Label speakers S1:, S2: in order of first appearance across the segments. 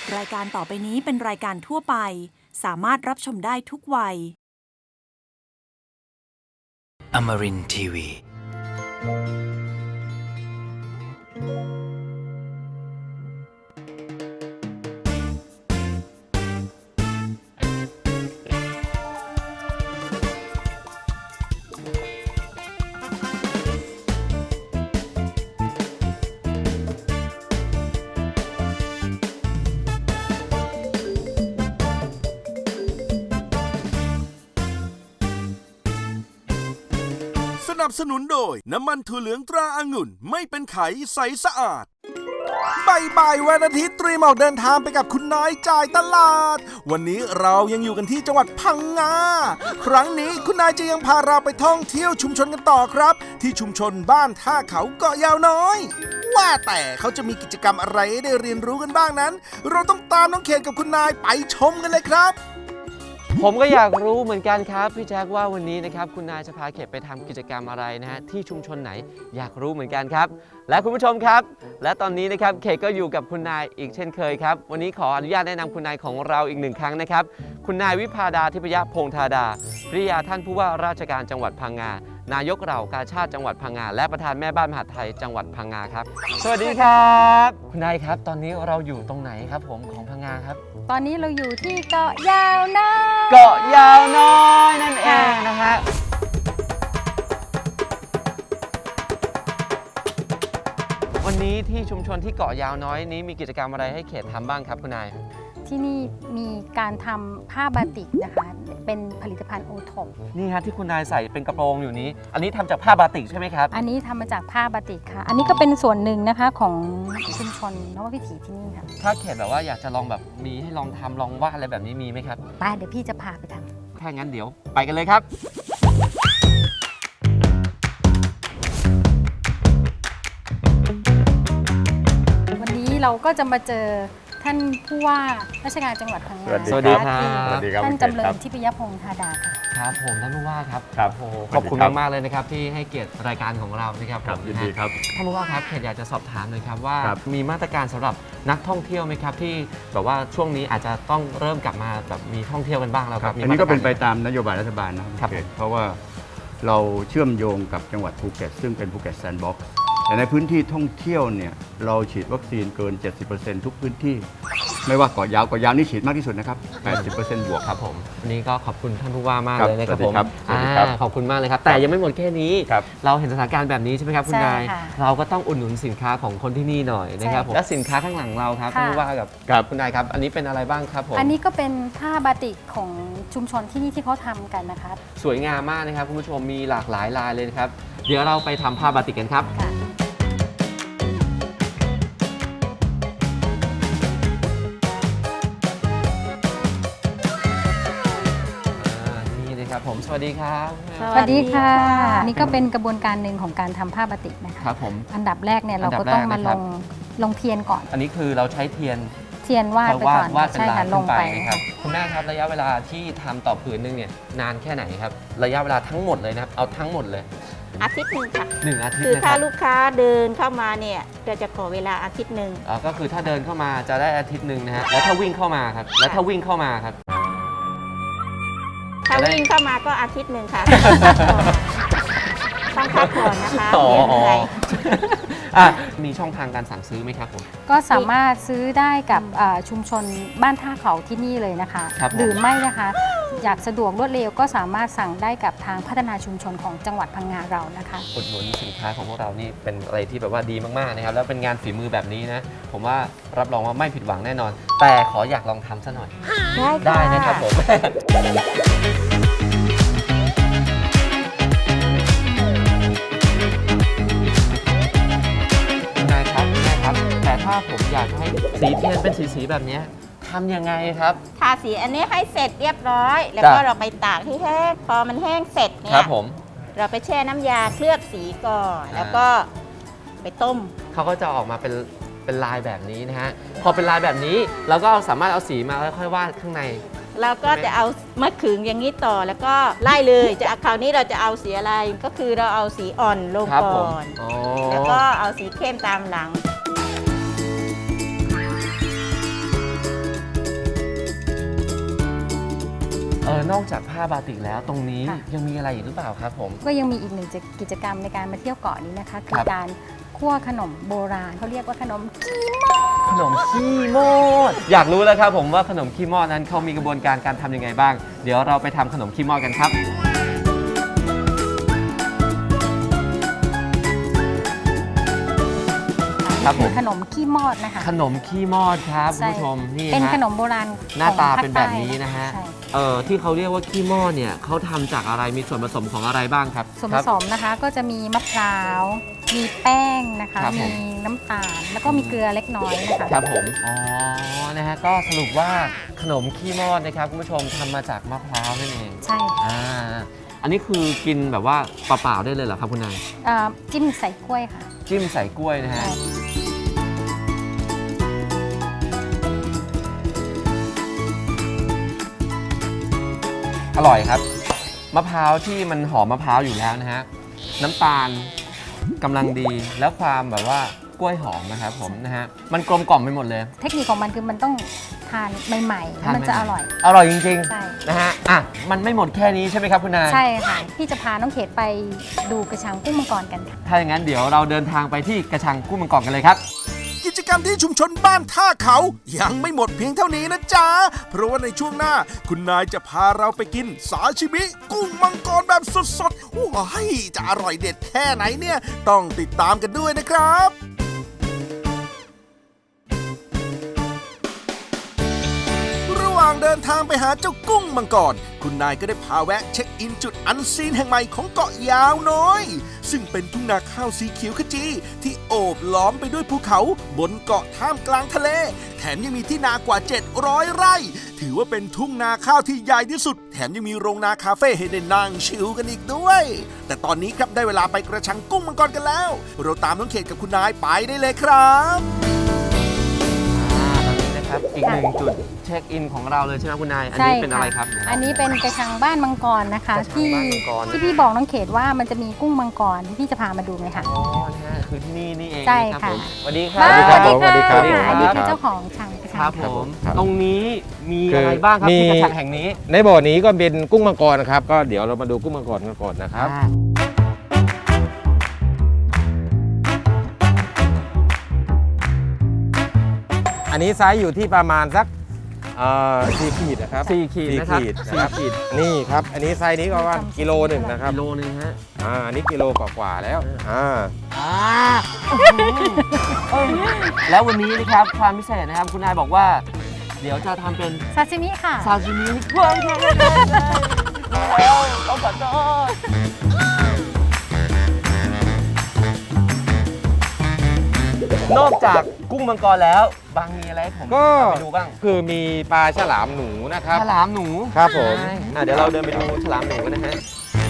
S1: รายการต่อไปนี้เป็นรายการทั่วไปสามารถรับชมได้ทุกวัย
S2: Amarin Tiwi.
S3: สนับสนุนโดยน้ำมันถั่วเหลืองตราองุ่นไม่เป็นไขใสสะอาดบ่ายวันอาทิตย์ตรีมออกเดินทางไปกับคุณนายจ่ายตลาดวันนี้เรายังอยู่กันที่จังหวัดพังงาครั้งนี้คุณนายจะยังพาเราไปท่องเที่ยวชุมชนกันต่อครับที่ชุมชนบ้านท่าเขาเกาะยาวน้อยว่าแต่เขาจะมีกิจกรรมอะไรให้ได้เรียนรู้กันบ้างนั้นเราต้องตามน้องเขตกับคุณนายไปชมกันเลยครับ
S4: ผมก็อยากรู้เหมือนกันครับพี่แจ๊คว่าวันนี้นะครับคุณนายจะพาเขตไปทำกิจกรรมอะไรนะฮะที่ชุมชนไหนอยากรู้เหมือนกันครับและคุณผู้ชมครับและตอนนี้นะครับเขตก็อยู่กับคุณนายอีกเช่นเคยครับวันนี้ขออนุญาตแนะนำคุณนายของเราอีกหนึ่งครั้งนะครับคุณนายวิภาดาทิพยพงษ์ธาดาภริยาท่านผู้ว่าราชการจังหวัดพังงานายกเหล่ากาชาติจังหวัดพังงาและประธานแม่บ้านมหาดไทยจังหวัดพังงาครับสวัสดีครับคุณนายครับตอนนี้เราอยู่ตรงไหนครับผมของพังงาครับ
S5: ตอนนี้เราอยู่ที่เกาะยาวน้อย
S4: เกาะยาวน้อยนั่นเองนะฮะวันนี้ที่ชุมชนที่เกาะยาวน้อยนี้มีกิจกรรมอะไรให้เขตทำบ้างครับคุณนาย
S5: ที่นี่มีการทำผ้าบาติกนะคะเป็นผลิตภัณฑ์โอท็อป
S4: นี่ฮะที่คุณนายใส่เป็นกระโปรงอยู่นี้อันนี้ทำจากผ้าบาติกใช่ไหมครับ
S5: อันนี้ทำมาจากผ้าบาติกค่ะอันนี้ก็เป็นส่วนหนึ่งนะคะของชุมชนนววิถีที่นี่ค่ะ
S4: ถ้าเขตแบบว่าอยากจะลองแบบมีให้ลองทำลองวาดอะไรแบบนี้มีไหมครับ
S5: ไปเดี๋ยวพี่จะพาไปท
S4: ำถ้างั้นเดี๋ยวไปกันเลยครับ
S5: วันนี้เราก็จะมาเจอท่านผู้ว่าราชการจังหวัดพังงา
S4: สวัสดีครับ
S5: ท่านจำเริญทิพยพงษ์ธาดาค่ะ
S4: ครับผมท่านผู้ว่าครับขอบคุณมากๆเลยนะครับที่ให้เกียรติรายการของเรานะครับ
S6: ผมยินดีครับ
S4: ท่านผู้ว่าครับเขตอยากจะสอบถามหน่อยครับว่ามีมาตรการสำหรับนักท่องเที่ยวไหมครับที่แบบว่าช่วงนี้อาจจะต้องเริ่มกลับมาแบบมีท่องเที่ยวกันบ้างแล้วครับ
S6: อันนี้ก็เป็นไปตามนโยบายรัฐบาลนะครับเพราะว่าเราเชื่อมโยงกับจังหวัดภูเก็ตซึ่งเป็นภูเก็ตแซนด์บ็อกซ์แต่ในพื้นที่ท่องเที่ยวเนี่ยเราฉีดวัคซีนเกิน 70% ทุกพื้นที่ไม่ว่าเกาะยาวนี่ฉีดมากที่สุดนะครับ 80% บวก
S4: ครับผมวันนี้ก็ขอบคุณท่านผู้ว่ามากเลยนะครับผมขอบคุณมากเลยครับแต่ยังไม่หมดแค่นี้เราเห็นสถานการณ์แบบนี้ใช่ไหมครับคุณนายเราก็ต้องอุดหนุนสินค้าของคนที่นี่หน่อยนะครับผมและสินค้าข้างหลังเราครับท่านผู้ว่ากับคุณนายครับอันนี้เป็นอะไรบ้างครับผม
S5: อันนี้ก็เป็นผ้าบาติกของชุมชนที่นี่ที่เขาทำกันนะคะ
S4: สวยงามมากนะครับคุณผู้ชมมีหลากหลายลายเลยนะครับเดี๋ยวเราไปทำผ้าบาติกกันครับผมสวัสดีครับ
S5: สวัสดีค่ะนี่ก็เป็นกระบวนการหนึ่งของการทำผ้าบาติกนะคะ
S4: ครับผม
S5: อันดับแรกเนี่ยเราก็ต้องมาลงเทียนก่อน
S4: อันนี้คือเราใช้เทียน
S5: วาดไปก่อน
S4: ใช่ค่ะลงไปนะครับคุณแม่ครับระยะเวลาที่ทำต่อผืนนึงเนี่ยนานแค่ไหนครับระยะเวลาทั้งหมดเลยนะครับเอาทั้งหมดเลย
S7: อาทิตย์หนึ่งค่ะ
S4: 1 อาทิตย์
S7: คือถ้าลูกค้าเดินเข้ามาเนี่ยก็จะขอเวลาอาทิตย์หนึ่ง
S4: ก็คือถ้าเดินเข้ามาจะได้อาทิตย์หนึ่งนะฮะแล้วถ้าวิ่งเข้ามาครับแล้วถ้าวิ่งเข้ามาครับ
S7: ถ้าวิ่งเข้ามาก็อาทิตย์หนึ่งค่ะต้องพักผ่อนนะคะเดี๋ยวเหนื่อย
S4: มีช่องทางการสั่งซื้อไหมครับผม
S5: ก็สามารถซื้อได้กับชุมชนบ้านท่าเขาที่นี่เลยนะคะหรือไม่นะคะอยากสะดวกรวดเร็วก็สามารถสั่งได้กับทางพัฒนาชุมชนของจังหวัดพังงาเรานะคะ
S4: อุดหนุนสินค้าของพวกเรานี่เป็นอะไรที่แบบว่าดีมากๆนะครับแล้วเป็นงานฝีมือแบบนี้นะผมว่ารับรองว่าไม่ผิดหวังแน่นอนแต่ขออยากลองทำซะหน่อยได้นะครับผมแต่ถ้าผมอยากให้สีเทียนเป็นสีแบบนี้ทำยังไงครับ
S7: ทาสีอันนี้ให้เสร็จเรียบร้อยแล้วก็เราไปตากให้แห้งพอมันแห้งเสร็จเนี่ยเราไปแช่น้ำยาเคลือบสีก่อนแล้วก็ไปต้ม
S4: เขาก็จะออกมาเป็นลายแบบนี้นะฮะพอเป็นลายแบบนี้เราก็สามารถเอาสีมาแล้วค่อยวาดข้างใน
S7: เราก็จะเอามะขึงอย่างนี้ต่อแล้วก็ไล่เลยจะคราวนี้เราจะเอาสีอะไรก็คือเราเอาสีอ่อนลงก่อนแล้วก็เอาสีเข้มตามหลัง
S4: นอกจากผ้าบาติกแล้วตรงนี้
S5: ค่ะ
S4: ยังมีอะไรอีกหรือเปล่าครับผม
S5: ก็ยังมีอีกหนึ่งกิจกรรมในการมาเที่ยวเกาะนี้นะคะ คื
S4: ครั
S5: อบ การคั่วขนมโบราณเขาเรียกว่าขนม
S4: ขนมขี้มอดอยากรู้แล้วครับผมว่าขนมขี้มอดนั้นเขามีกระบวนการการทำยังไงบ้าง เดี๋ยวเราไปทำขนมขี้มอดกันครับครับผม
S5: ขนมขี้มอดนะคะ
S4: ขนมขี้มอดครับคุณ
S5: ใช่
S4: ผู้ชมนี่
S5: เป็น
S4: ฮะ
S5: ขนมโบราณ
S4: หน้าตา
S5: ของภค
S4: เป็นแบบนี้นะฮะ
S5: ใช่
S4: ที่เขาเรียกว่าขี้มอดเนี่ยเขาทำจากอะไรมีส่วนผสมของอะไรบ้างครับ
S5: ส่วนผสมนะคะก็จะมีมะพร้าว มีแป้งนะคะ
S4: ครับผม
S5: มีน้ำตาล แล้วก็มีเกลือเล็กน้อยนะคะ
S4: ครับผมอ๋อนะฮะก็สรุปว่าขนมขี้มอดนะครับคุณผู้ชมทำมาจากมะพร้าวนั่นเอง
S5: ใช่ค่ะ
S4: อันนี้คือกินแบบว่าเปล่าๆได้เลยเหรอครับคุณนาย
S5: จิ้มใส่กล้วยค่ะ
S4: จิ้มใส่กล้วยนะฮะ
S5: ใช่
S4: อร่อยครับมะพร้าวที่มันหอมมะพร้าวอยู่แล้วนะฮะน้ำตาลกำลังดีแล้วความแบบว่ากล้วยหอมนะครับผมนะฮะมันกลมกล่อมไปหมดเลย
S5: เทคนิคของมันคือมันต้องทานใหม่ๆ มันจะอร่อย
S4: อร่อยจริง
S5: ใช่
S4: ๆนะฮะอ่ะมันไม่หมดแค่นี้ใช่ไหมครับคุณนาย
S5: ใช่ค่ะ พี่จะพาน้องเขตไปดูกระชังกุ้งมังกรกันค่ะ
S4: ถ้าอย่างนั้นเดี๋ยวเราเดินทางไปที่กระชังกุ้งมังกรกันเลยครับ
S3: กิจกรรมที่ชุมชนบ้านท่าเขายังไม่หมดเพียงเท่านี้นะจ๊ะ เพราะว่าในช่วงหน้า คุณนายจะพาเราไปกินซาชิมิกุ้งมังกรแบบสดๆว้ายจะอร่อยเด็ดแค่ไหนเนี่ย ต้องติดตามกันด้วยนะครับ ระหว่างเดินทางไปหาเจ้ากุ้งมังกร คุณนายก็ได้พาแวะเช็คอินจุดอันซีนแห่งใหม่ของเกาะยาวน้อย ซึ่งเป็นทุ่งนาข้าวสีเขียวขจีที่โอบล้อมไปด้วยภูเขาบนเกาะท่ามกลางทะเล แถมยังมีที่นากว่า 700 ไร่ ถือว่าเป็นทุ่งนาข้าวที่ใหญ่ที่สุด แถมยังมีโรงนาคาเฟ่ให้ได้นั่งชิลกันอีกด้วย แต่ตอนนี้ครับได้เวลาไปกระชังกุ้งมังกรกันแล้ว เราตามน้องเขตกับคุณนายไปได้เลยครับ
S4: ตอนนี้นะครับอีกหนึ่งจุดเช็คอินของเราเลยใช่ไหมคุณนาย อันนี้เป็นอะไรครับ
S5: อันนี้เป็นกระชังบ้านมังกรนะคะ
S4: กระชัง
S5: ที่
S4: บ้านมังกร
S5: ที่พี่บอกน้องเขตว่ามันจะมีกุ้งมังกรที่พี่จะพามาดูไหมคะ
S4: อ๋อนะฮะคือที่นี่นี่เอง
S5: ใช่
S4: นะครับ
S5: ค่ะ
S4: ผมสวัสดีครั
S5: บ้าน
S4: บ
S5: สวัสดีค่ะ
S6: สวัสดีครับ
S5: อันนี้คือเจ้าของชังกระชั
S4: ครั
S5: ง
S4: บผม
S6: ครับ
S4: ตรงนี้มีอะไรบ้างครับ
S8: มี
S4: ที่กระชังแห่งนี้
S8: ในบ่อนี้ก็เป็นกุ้งมังกรนะครับ ก็เดี๋ยวเรามาดูกุ้งมังกรกันก่อนนะครับ อันนี้ไซส์อยู่ที่ประมาณสัก4 ขีดนะครับ
S4: 4 ขีดนะครับ
S8: นะครับ
S4: 4 ขีด
S8: นี่ครับ อันนี้ไซส์นี้ก็ประมาณกิโลหนึ่งนะครับ
S4: กิโลนึงฮะ
S8: อันนี้กิโลกว่าๆแล้ว
S4: แล้ววันนี้นะครับความพิเศษนะครับคุณนายบอกว่า เดี๋ยวจะทำเป็น
S5: ซาซิมิค่ะ
S4: ซาชิมิเว้ยแล้วต้องขอโทษนอกจากกุ้งมังกรแล้วบางมีอะไรให้ผม
S8: ก็
S4: ไปดูบ้าง
S8: คือมีปลาฉลามหนูนะครับ
S4: ฉลามหนู
S8: ครับผม
S4: ใช่เดี๋ยวเราเดินไปดูฉลามหนูกันนะฮะ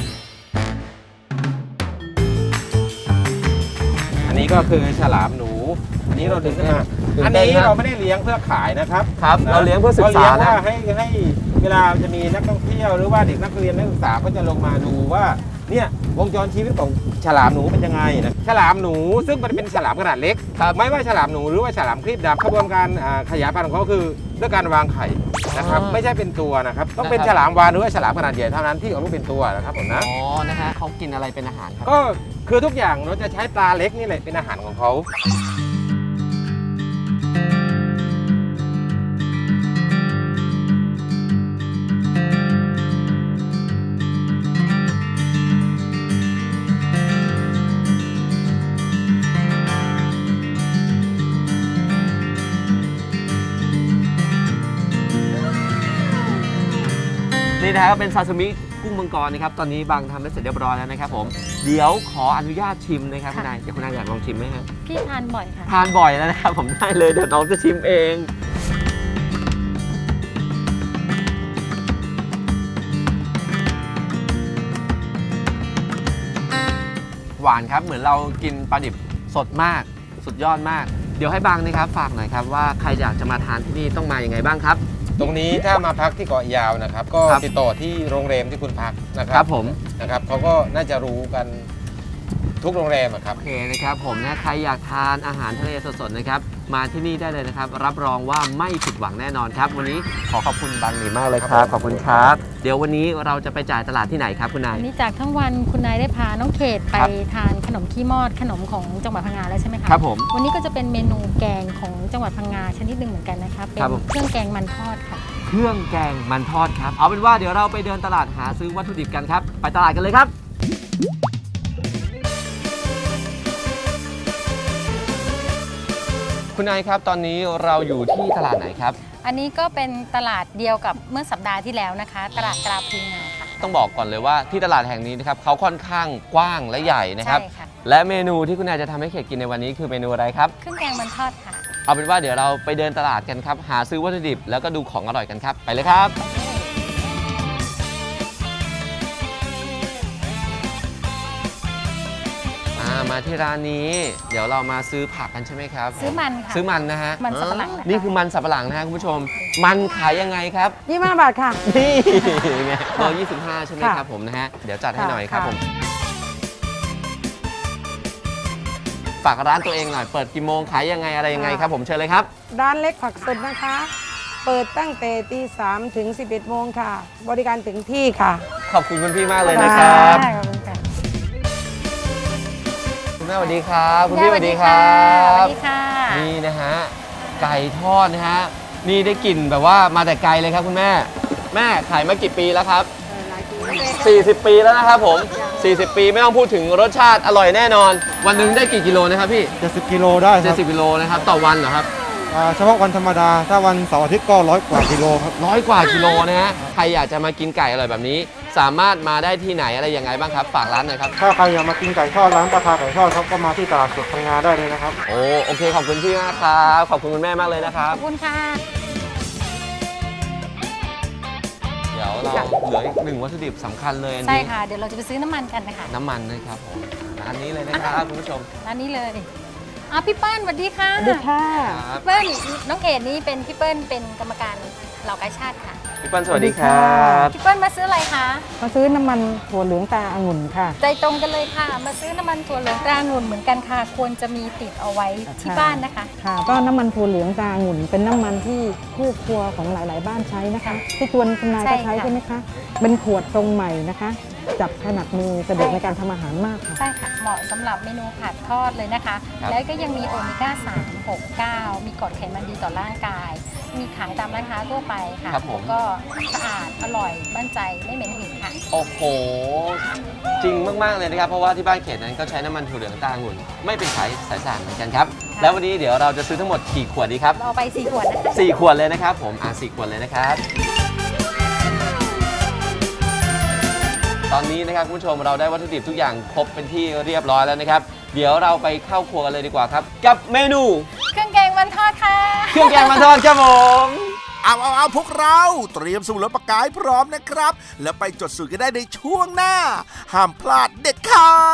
S8: อันนี้ก็คือฉลามหนู อันนี้เราดึงขึ้นมา
S4: ตื่น
S8: อัน
S4: เต้น
S8: นี้
S4: ครับ
S8: เราไม่ได้เลี้ยงเพื่อขายนะครับ
S4: ครับเราเลี้ยงเพื่อศึกษา
S8: เรเลี้ยง
S4: นะ
S8: ว่าให้เวลาจะมีนักท่องเที่ยวหรือว่าเด็กนักเรียนนักศึกษาก็จะลงมาดูว่าเนี่ยวงจรชีวิตของฉลามหนูเป็นยังไงนะฉลามหนูซึ่งมันเป็นฉลามขนาดเล็กไม่ว่าฉลามหนูหรือว่าฉลามครีบดำกระบวนการขยายพันธุ์ของเขาคือด้วยการวางไข่นะครับไม่ใช่เป็นตัวนะครับต้องเป็นฉลามวาฬหรือว่าฉลามขนาดใหญ่เท่านั้นที่ออกลูกเป็นตัวนะครับผมนะ
S4: อ๋อนะฮะเขากินอะไรเป็นอาหารครับ
S8: ก็คือทุกอย่างเราจะใช้ปลาเล็กนี่แหละเป็นอาหารของเขา
S4: นี่นะครับเป็นซาซิมิกุ้งมังกรนะครับตอนนี้บางทำได้เสร็จเรียบร้อยแล้วนะครับผมเดี๋ยวขออนุญาตชิมนะครับคุณนายเดี๋ยวคุณนายอยากลองชิมไหมฮะ
S5: พี่ทานบ่อยค่ะ
S4: ทานบ่อยแล้วนะครับผมได้เลยเดี๋ยวน้องจะชิมเอง หวานครับเหมือนเรากินปลาดิบสดมากสุดยอดมาก เดี๋ยวให้บางนะครับฝากหน่อยครับว่าใครอยากจะมาทานที่นี่ต้องมาอย่างไงบ้างครับ
S8: ตรงนี้ถ้ามาพักที่เกาะยาวนะครับ ก็
S4: ครับ
S8: ติดต่อที่โรงแรมที่คุณพักนะค
S4: ค
S8: รั
S4: รับผม
S8: นะครับเขาก็น่าจะรู้กันทุกโรงแรมอะครับ
S4: โอเคนะครับผมนะใครอยากทานอาหารทะเลสดๆนะครับมาที่นี่ได้เลยนะครับรับรองว่าไม่ผิดหวังแน่นอนครับวันนี้ขอขอบคุณบางหนีมากเลยครับขอบคุณครับเดี๋ยววันนี้เราจะไปจ่ายตลาดที่ไหนครับคุณนาย
S5: วันนี้จากทั้งวันคุณนายได้พาน้องเขตไป
S4: ครับ
S5: ทานขนมขี้มอดขนมของจังหวัดพังงาแล้วใช่ไหมคะ
S4: ครับผม
S5: วันนี้ก็จะเป็นเมนูแกงของจังหวัดพังงาชนิดหนึ่งเหมือนกันนะคะเป็น
S4: ครับผม
S5: เครื่องแกงมันทอดค่ะ
S4: เครื่องแกงมันทอดครับเอาเป็นว่าเดี๋ยวเราไปเดินตลาดหาซื้อวัตถุดิบกันครับไปตลาดกันเลยครับคุณนายครับตอนนี้เราอยู่ที่ตลาดไหนครับ
S5: อันนี้ก็เป็นตลาดเดียวกับเมื่อสัปดาห์ที่แล้วนะคะ ตลาดตราพลีงาค่ะ
S4: ต้องบอกก่อนเลยว่าที่ตลาดแห่งนี้นะครับเขาค่อนข้างกว้างและใหญ่นะครับ
S5: ใช่ค่ะ
S4: และเมนูที่คุณนายจะทำให้เขตกินในวันนี้คือเมนูอะไรครับ
S5: เครื่องแกงมันทอดค่ะ
S4: เอาเป็นว่าเดี๋ยวเราไปเดินตลาดกันครับหาซื้อวัตถุดิบแล้วก็ดูของอร่อยกันครับไปเลยครับมาที่ร้านนี้เดี๋ยวเรามาซื้อผักกันใช่ไหมครับ
S5: ซื้อมันค่ะ
S4: ซื้อมันนะฮะ
S5: มันสับปะหลังนะคะ
S4: นี่คือมันสับปะหลังนะฮะคุณผู้ชม มันขายยังไงครับ
S9: 25 บาทค่ะ
S4: นี่ไงเบอร์25 ใช่ไหมครับผมนะฮะเดี๋ยวจัดให้หน่อยครับ
S9: ค่ะ
S4: ผมฝากร้านตัวเองหน่อยเปิดกี่โมงขายยังไงอะไรยังไงครับผมเชิญเลยครับ
S9: ร้านเล็กผักสดนะคะ เปิดตั้งแต่ตี 3 ถึง 11 โมงค่ะ บริการถึงที่ค่ะ
S4: ขอบคุณคุณพี่มากเลยนะครับ
S5: ได้ขอบคุณค่ะ
S4: คุณแม่สวัสดีครับคุณพี่สวัสดีครั
S5: สวั
S4: บ
S5: สดีค่ะ
S4: นี่นะฮะไก่ทอดนะฮะนี่ได้กลิ่นแบบว่ามาแต่ไกลเลยครับคุณแม่แม่ขายมากี่ปีแล้วครับ 40 ปีแล้วนะครับผม 40 ปีไม่ต้องพูดถึงรสชาติอร่อยแน่นอน วันหนึงได้กี่กิโลนะครับพี่
S10: 70 กิโลได้ครับ
S4: 70 กิโลนะครับต่อวันเหรอครับ
S10: เฉพาะวันธรรมดา ถ้าวันเสาร์อาทิตย์ก็100 กว่ากิโลครับ
S4: 100 กว่ากิโลนะฮะใครอยากจะมากินไก่อร่อยแบบนี้ สามารถมาได้ที่ไหนอะไรยังไงบ้างครับฝากร้านหน่อยครับ
S10: ถ้าใครอยากมากินไก่ทอดร้านประทาไก่ทอดครับก็มาที่ตลาดสดพังงาได้เลยนะครับ
S4: โอเคขอบคุณพี่มากครับขอบคุณคุณแม่มากเลยนะครั
S5: ข
S4: บ
S5: อบคุณค่ะ
S4: เดี๋ยวเราเหลืออีกหนึ่งวัตถุดิบสำคัญเลยอัน
S5: ใช่
S4: นี้
S5: ค่ะ เดี๋ยวเราจะไปซื้อน้ำมันกันนะคะ
S4: น้ำมันนะครับผมอันนี้เลยนะครับคุณผู้ชม
S5: ร้านนี้เลยพี่เปิ้ลสวัสดีค่ะ
S9: สวัสดีค่ะ
S4: ครับ
S5: พี่เปิ้ลน้องเขตนี่เป็นพี่เปิ้ลเป็นกรรมการเหล่ากาชาติค่ะ
S4: พี่เปิ้ลสวัสดีครับ
S5: พี่เปิ้ลมาซื้ออะไรคะ
S9: มาซื้อน้ำมันถั่วเหลืองตาองุ่นค่ะ
S5: ใจตรงกันเลยค่ะ มาซื้อน้ำมันถั่วเหลืองตราองุ่นเหมือนกันค่ะ ควรจะมีติดเอาไว้ที่บ้านนะคะ
S9: ค่ะ ก็น้ำมันถั่วเหลืองตาองุ่น เป็นน้ำมันที่คู่ครัวของหลาย ๆ บ้านใช้นะคะที่ชวนคุณนายก็ใช้ใช่ไหมคะ เป็นขวดทรงใหม่นะคะ จับถนัดมือสะดวกในการทำอาหารมากค่ะ
S5: ใช่ค่ะ เหมาะสำหรับเมนูผัดทอดเลยนะคะ
S4: ครับ
S5: แล้วก็ยังมีโอเมก้า 3 6 9 มีกรดไขมันดีต่อร่างกาย มีขายตามร้านค้าทั่วไปค่ะ
S4: ครับผม
S5: ก็สะอาด อร่อยมั่นใจไม่เหม็นหืนค่ะ
S4: โอ้โห จริงมาก ๆ เลยนะครับ เพราะว่าที่บ้านเขตนั้นก็ใช้น้ำมันถั่วเหลืองตาองุ่นไม่เป็นสายสารเหมือนกันครับ
S5: ค่ะ
S4: แล้ววันนี้เดี๋ยวเราจะซื้อทั้งหมดกี่ขวดดีครับ
S5: เราเอาไป4ขวดนะคะ
S4: 4 ขวดเลยนะครับผม4 ขวดเลยนะครับ ตอนนี้นะครับคุณผู้ชมเราได้วัตถุดิบทุกอย่างครบเป็นที่เรียบร้อยแล้วนะครับ เดี๋ยวเราไปเข้าครัวกันเลยดีกว่าครับ กับเมนู
S5: เครื่องแกงมันทอดค่ะ
S4: เครื่องแกงมันทอดครับผม
S3: เอาพวกเราเตรียมสมุดและปากกาให้พร้อมนะครับ แล้วไปจดสูตรกันได้ในช่วงหน้า ห้ามพลาดเด็ดขาด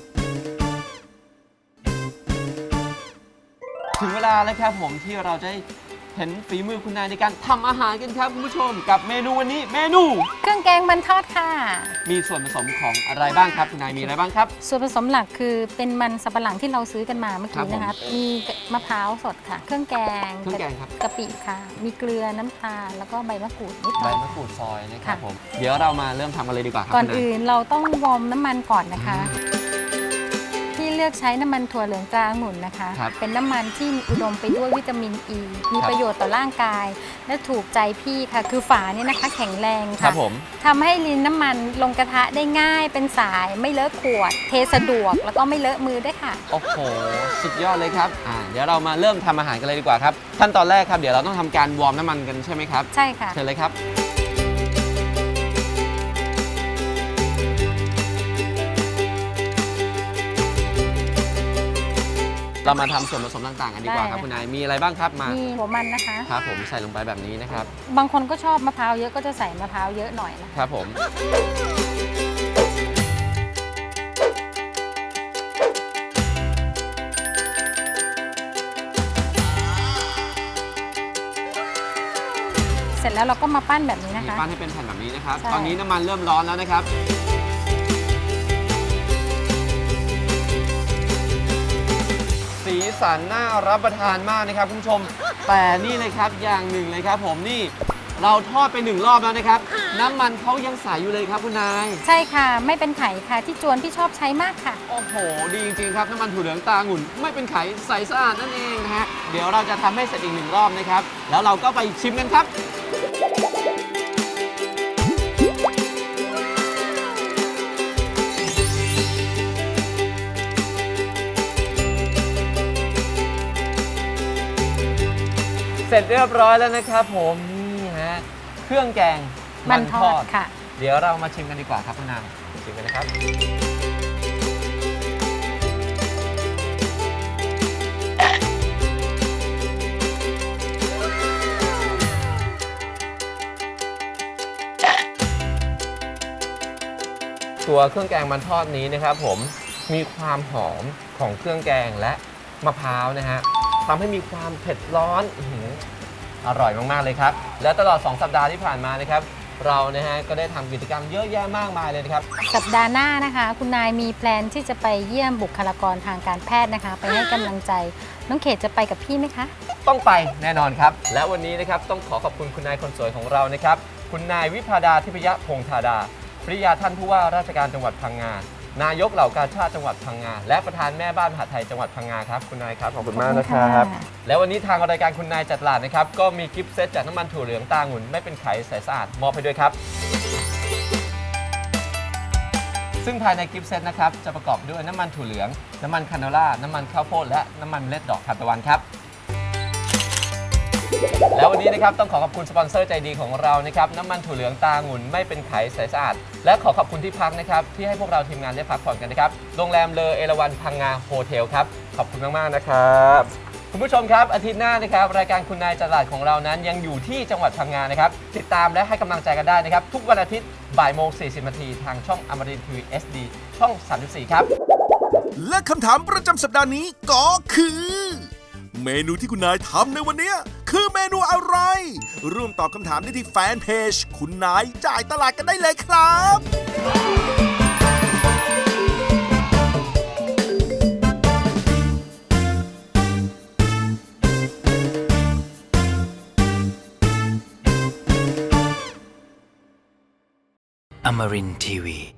S4: ถึงเวลาแล้วครับผมที่เราจะเห็นฝีมือคุณนายในการทำอาหารกันครับคุณผู้ชมกับเมนูวันนี้เมนู
S5: เครื่องแกงมันทอดค่ะ
S4: มีส่วนผสมของอะไรบ้างครับคุณนายมีอะไรบ้างครับ
S5: ส่วนผสมหลักคือเป็นมันสับปะหลังที่เราซื้อกันมาเมื่อกี้นะคะ มีมะพร้าวสดค่ะ เครื่องแกง
S4: เครื่องแกงครับ
S5: กะปิค่ะ มีเกลือน้ำตาลแล้วก็ใบมะกรูดนิดห
S4: ใบ
S5: น่อย
S4: มะกรูดซอยนะครับ
S5: ค่ะ
S4: ผมเดี๋ยวเรามาเริ่มทำกันเลยดีกว่าครับ
S5: ก่อน
S4: คุณาย
S5: อื่นเราต้องวอร์มน้ำมันก่อนนะคะ ที่เลือกใช้น้ำมันถั่วเหลืองตราองุ่นนะคะ
S4: ครับ
S5: เป็นน้ำมันที่อุดมไปด้วยวิตามินอ e, มี
S4: ครับ
S5: ประโยชน์ต่อร่างกาย และถูกใจพี่ค่ะ คือฝาเนี่ยนะคะแข็งแรง
S4: ครั
S5: ค่ะ
S4: บผม
S5: ทำให้ลิ้นน้ำมันลงกระทะได้ง่ายเป็นสายไม่เลอะขวด เทสะดวกแล้วก็ไม่เลอะมือด้วยค่ะ
S4: โอ้โหสุดยอดเลยครับเดี๋ยวเรามาเริ่มทำอาหารกันเลยดีกว่าครับขั้นตอนแรกครับเดี๋ยวเราต้องทำการวอร์มน้ำมันกันใช่ไหมครับ
S5: ใช่ค่ะ
S4: เชิญเลยครับเรามาทำส่วนผสมต่างๆกันดีกว่าครับ
S5: ได้
S4: คุณนายมีอะไรบ้างครับมา
S5: มีหัวมันนะคะ
S4: ครับผมใส่ลงไปแบบนี้นะครับ
S5: บางคนก็ชอบมะพร้าวเยอะก็จะใส่มะพร้าวเยอะหน่อยนะคะ
S4: ครับผม
S5: เสร็จแล้วเราก็มาปั้นแบบนี้นะคะ
S4: ปั้นให้เป็นแผ่นแบบนี้นะครับ
S5: ใช่
S4: ตอนนี้น้ำมันเริ่มร้อนแล้วนะครับสันน่ารับประทานมากนะครับคุณผู้ชมแต่นี่เลยครับอย่างหนึ่งเลยครับผมนี่เราทอดไป1 รอบแล้วนะครับน้ำมันเขายังใสอยู่เลยครับคุณนาย
S5: ใช่ค่ะไม่เป็นไข่ค่ะที่จวนพี่ชอบใช้มากค่ะ
S4: โอ้โหดีจริงๆครับน้ำมันถั่วเหลืองตาองุ่นไม่เป็นไขใสสะอาดนั่นเองนะฮะเดี๋ยวเราจะทำให้เสร็จอีก1 รอบนะครับแล้วเราก็ไปชิมกันครับเสร็จเรียบร้อยแล้วนะครับผมนี่ฮะเครื่องแกง
S5: มันทอดค่ะ
S4: เดี๋ยวเรามาชิมกันดีกว่าครับคุณนางชิมกันนะครับตัวเครื่องแกงมันทอดนี้นะครับผมมีความหอมของเครื่องแกงและมะพร้าวนะฮะทำให้มีความเผ็ดร้อนอร่อยมากๆเลยครับและตลอด2 สัปดาห์ที่ผ่านมานะครับเรานะฮะก็ได้ทำกิจกรรมเยอะแยะมากมายเลยนะครับ
S5: สัปดาห์หน้านะคะคุณนายมีแพลนที่จะไปเยี่ยมบุคลากรทางการแพทย์นะคะไปให้กำลังใจน้องเขตจะไปกับพี่ไหมคะ
S4: ต้องไปแน่นอนครับและวันนี้นะครับต้องขอบคุณคุณนายคนสวยของเรานะครับคุณนายวิภาดาทิพยพงษ์ธาดาภริยาท่านผู้ว่าราชการจังหวัดพังงานายกเหล่ากาชาดจังหวัดพังงาและประธานแม่บ้านมหาดไทยจังหวัดพังงาครับคุณนายครับขอบคุณมากนะครับและวันนี้ทางรายการคุณนายจัดตลาดนะครับก็มีกิฟต์เซตจากน้ำมันถั่วเหลืองตาองุ่นไม่เป็นไขใสสะอาดมอบให้ด้วยครับซึ่งภายในกิฟต์เซตนะครับจะประกอบด้วยน้ำมันถั่วเหลืองน้ำมันคาโนล่าน้ำมันข้าวโพดและน้ำมันเมล็ดดอกทานตะวันครับแล้ววันนี้นะครับต้องขอขอบคุณสปอนเซอร์ใจดีของเรานะครับน้ำมันถั่วเหลืองตาองุ่นไม่เป็นไขใสสะอาดและขอขอบคุณที่พักนะครับที่ให้พวกเราทีมงานได้พักผ่อนกันนะครับโรงแรมเลอเอราวัณพังงาโฮเทลครับขอบคุณมากๆนะครับคุณผู้ชมครับอาทิตย์หน้านะครับรายการคุณนายจัดตลาดของเรานั้นยังอยู่ที่จังหวัดพังงานะครับติดตามและให้กำลังใจกันได้นะครับทุกวันอาทิตย์บ่ายโมง40 นาทีทางช่องอมรินทร์ทีวี SD ช่อง 34 ครับ
S3: และคำถามประจำสัปดาห์นี้ก็คือเมนูที่คุณนายทำในวันนี้คือเมนูอะไรร่วมตอบคำถามได้ที่แฟนเพจคุณนายจ่ายตลาดกันได้เลยครับ
S2: Amarin Tiwi.